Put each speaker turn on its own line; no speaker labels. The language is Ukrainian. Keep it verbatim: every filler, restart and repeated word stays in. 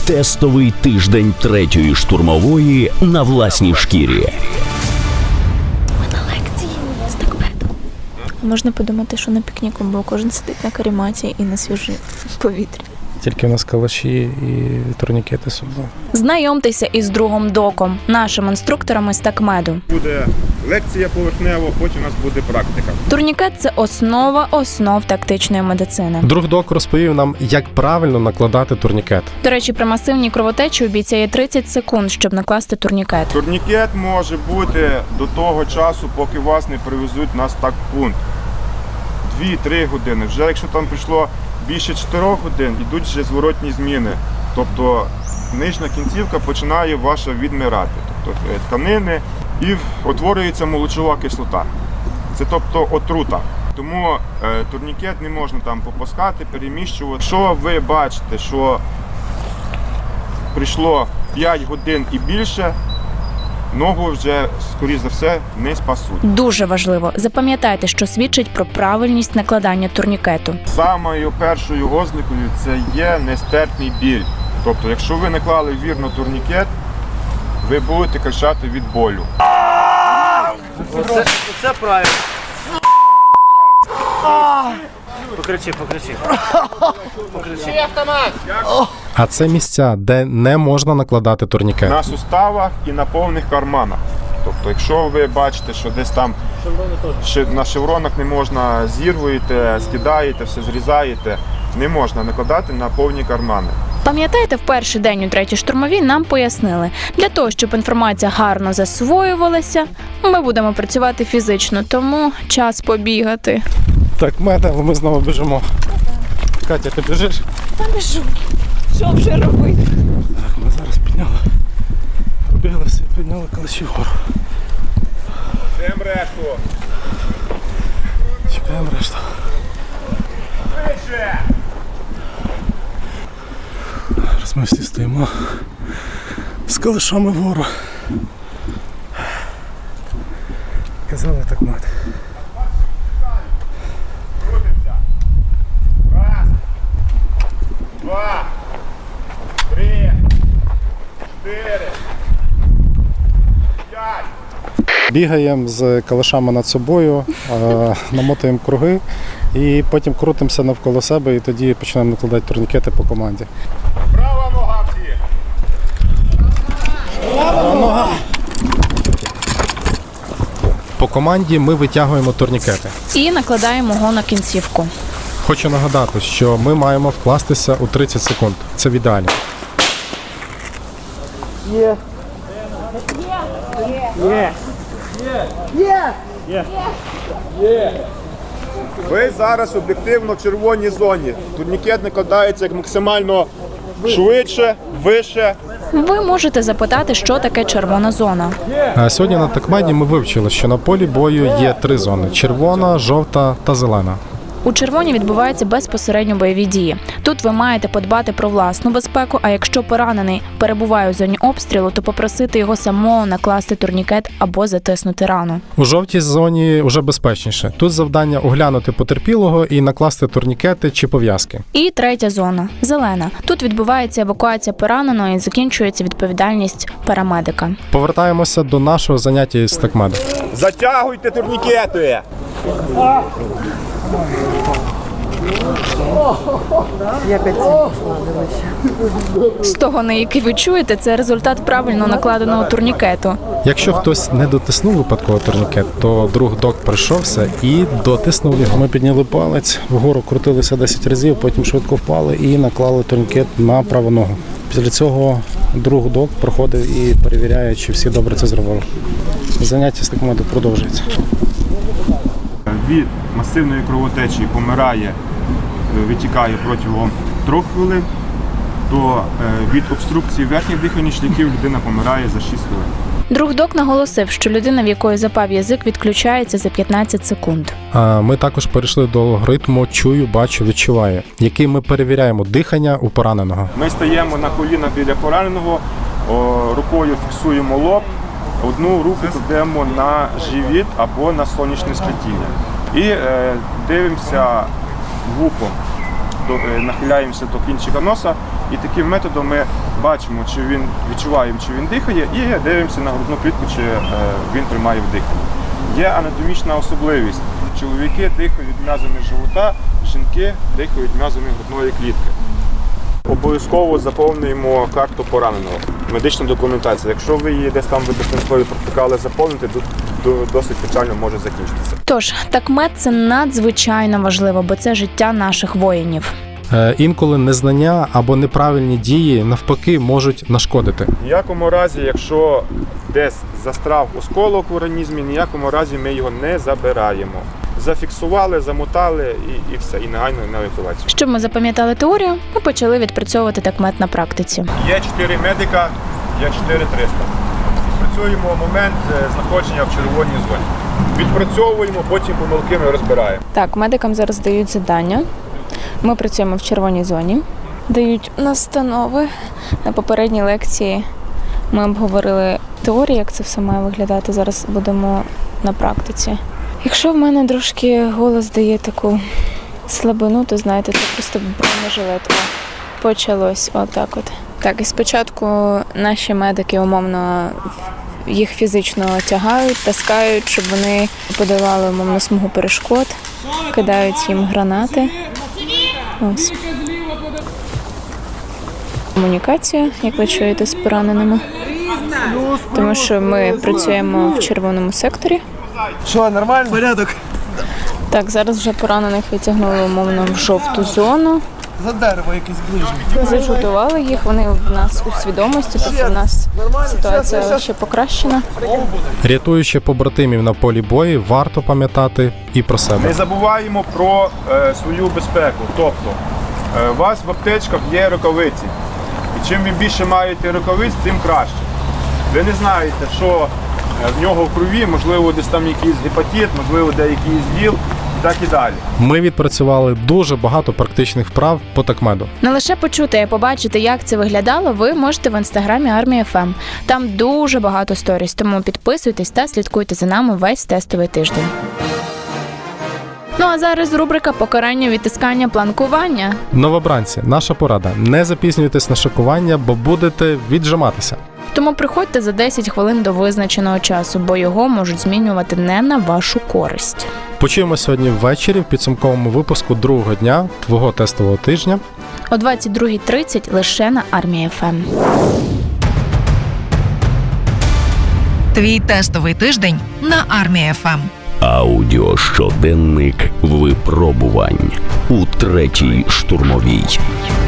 Тестовий тиждень третьої штурмової на власній шкірі.
Ми на лекції з такмету. Можна подумати, що на пікніку, бо кожен сидить на карематі і на свіжому повітрі.
Тільки в нас калаші і турнікети з собою.
Знайомтеся із другом Доком, нашим інструктором із такмеду.
Буде лекція поверхнева, потім у нас буде практика.
Турнікет – це основа основ тактичної медицини.
Друг Док розповів нам, як правильно накладати турнікет.
До речі, при масивній кровотечі у бійця є тридцять секунд, щоб накласти турнікет.
Турнікет може бути до того часу, поки вас не привезуть на стак-пункт. дві-три години. Вже якщо там прийшло більше чотирьох годин, йдуть вже зворотні зміни. Тобто нижня кінцівка починає ваша відмирати. Тобто тканини і утворюється молочова кислота. Це тобто отрута. Тому е, турнікет не можна там попускати, переміщувати. Якщо ви бачите, що прийшло п'ять годин і більше, ногу вже, скоріш за все, не спасуть.
Дуже важливо. Запам'ятайте, що свідчить про правильність накладання турнікету.
Самою першою ознакою це є нестерпний біль. Тобто, якщо ви наклали вірно турнікет, ви будете кричати від болю.
Оце, оце правильно. Покричи, покричи. Покричи.
А це місця, де не можна накладати турнікет.
На суставах і на повних карманах. Тобто, якщо ви бачите, що десь там ще на шевронах не можна, зірвуєте, скидаєте, все зрізаєте, не можна накладати на повні кармани.
Пам'ятаєте, в перший день у третій штурмовій нам пояснили, для того, щоб інформація гарно засвоювалася, ми будемо працювати фізично, тому час побігати.
Так, мета, але ми знову біжимо. Катя, ти біжиш?
Та біжу. Що вже робити?
Так, ми зараз підняли. Пробіглися і підняли калаші вгору.
Чекаємо решту.
Чекаємо решту.
Вище!
Зараз ми всі стоїмо з калашами вгору. Казали так, мати.
Крутимося. Раз, два, три, чотири, п'ять.
Бігаємо з калашами над собою, е, намотуємо круги і потім крутимося навколо себе і тоді починаємо накладати турнікети по команді.
Права нога всі.
По команді ми витягуємо турнікети.
І накладаємо його на кінцівку.
Хочу нагадати, що ми маємо вкластися у тридцять секунд. Це в ідеалі.
Ви зараз об'єктивно в червоній зоні. Турнікет накладається як максимально швидше, вище.
Ви можете запитати, що таке червона зона.
А сьогодні на такмеді ми вивчили, що на полі бою є три зони: червона, жовта та зелена.
У червоній відбуваються безпосередньо бойові дії. Тут ви маєте подбати про власну безпеку, а якщо поранений перебуває у зоні обстрілу, то попросити його самого накласти турнікет або затиснути рану.
У жовтій зоні вже безпечніше. Тут завдання оглянути потерпілого і накласти турнікети чи пов'язки.
І третя зона – зелена. Тут відбувається евакуація пораненого і закінчується відповідальність парамедика.
Повертаємося до нашого заняття із такмеду.
Затягуйте турнікети!
З того, на який ви чуєте, це результат правильно накладеного турнікету.
Якщо хтось не дотиснув випадково турнікет, то друг Док прийшовся і дотиснув його. Ми підняли палець, вгору крутилися десять разів, потім швидко впали і наклали турнікет на праву ногу. Після цього друг Док проходить і перевіряє, чи всі добре це зробили. Заняття з такмеду продовжується.
Від масивної кровотечі помирає, витікає протягом трьох хвилин, то від обструкції верхніх дихальних шляхів людина помирає за шість хвилин.
Друг Док наголосив, що людина, в якої запав язик, відключається за п'ятнадцять секунд.
А ми також перейшли до алгоритму «чую, бачу, відчуваю», який ми перевіряємо дихання у пораненого.
Ми стаємо на коліна біля пораненого, рукою фіксуємо лоб, одну руку кладемо на живіт або на сонячне сплетіння. І е, дивимося вухом. до, е, нахиляємося до кінчика носа і таким методом ми бачимо, чи він відчуваємо, чи він дихає, і дивимося на грудну клітку, чи е, він тримає вдих. Є анатомічна особливість. Чоловіки дихають м'язами живота, жінки дихають м'язами грудної клітки. Обов'язково заповнюємо карту пораненого, медичну документацію. Якщо ви її десь там в диспансері протикали заповнити, то досить печально може закінчитися.
Тож, такмед – це надзвичайно важливо, бо це життя наших воїнів.
Е, Інколи незнання або неправильні дії навпаки можуть нашкодити.
В ніякому разі, якщо десь застрав осколок в організмі, в ніякому разі ми його не забираємо. Зафіксували, замотали і, і все, і негайно на евакуацію.
Щоб ми запам'ятали теорію, ми почали відпрацьовувати такмед на практиці.
Є чотири медика, є чотири триста. Відпрацюємо момент знаходження в червоній зоні. Відпрацьовуємо, потім помилки ми розбираємо.
Так, медикам зараз дають завдання. Ми працюємо в червоній зоні. Дають настанови. На попередній лекції ми обговорили теорію, як це все має виглядати. Зараз будемо на практиці. Якщо в мене трошки голос дає таку слабину, то знаєте, це просто бронежилетка. Почалось отак от. Так, і спочатку наші медики умовно їх фізично тягають, таскають, щоб вони подолали умовно смугу перешкод, кидають їм гранати. Ось. Комунікація, як ви чуєте, з пораненими. Тому що ми працюємо в червоному секторі.
Що, нормально? Порядок.
Так, зараз вже поранених відтягнули умовно в жовту зону.
За дерево якесь ближче.
Зажутували їх, вони в нас у свідомості, тобто в нас ситуація ще покращена.
Рятуючи побратимів на полі бою, варто пам'ятати і про
Не
себе.
забуваємо про е, свою безпеку. Тобто, е, у вас в аптечках є рукавиці. І чим ви більше маєте рукавиць, тим краще. Ви не знаєте, що е, в нього в крові, можливо, десь там якийсь гепатит, можливо, де якийсь ВІЛ і так і далі.
Ми відпрацювали дуже багато практичних вправ по такмеду.
Не лише почути, а побачити, як це виглядало, ви можете в інстаграмі Армія еф ем. Там дуже багато сторіс, тому підписуйтесь та слідкуйте за нами весь тестовий тиждень. Ну а зараз рубрика «Покарання, відтискання, планкування».
Новобранці, наша порада. Не запізнюйтесь на шокування, бо будете віджиматися.
Тому приходьте за десять хвилин до визначеного часу, бо його можуть змінювати не на вашу користь.
Почуємо сьогодні ввечері в підсумковому випуску другого дня твого тестового тижня.
О двадцять другій тридцять лише на Армія еф ем.
Твій тестовий тиждень на Армія еф ем.
Аудіощоденник випробувань у третій штурмовій.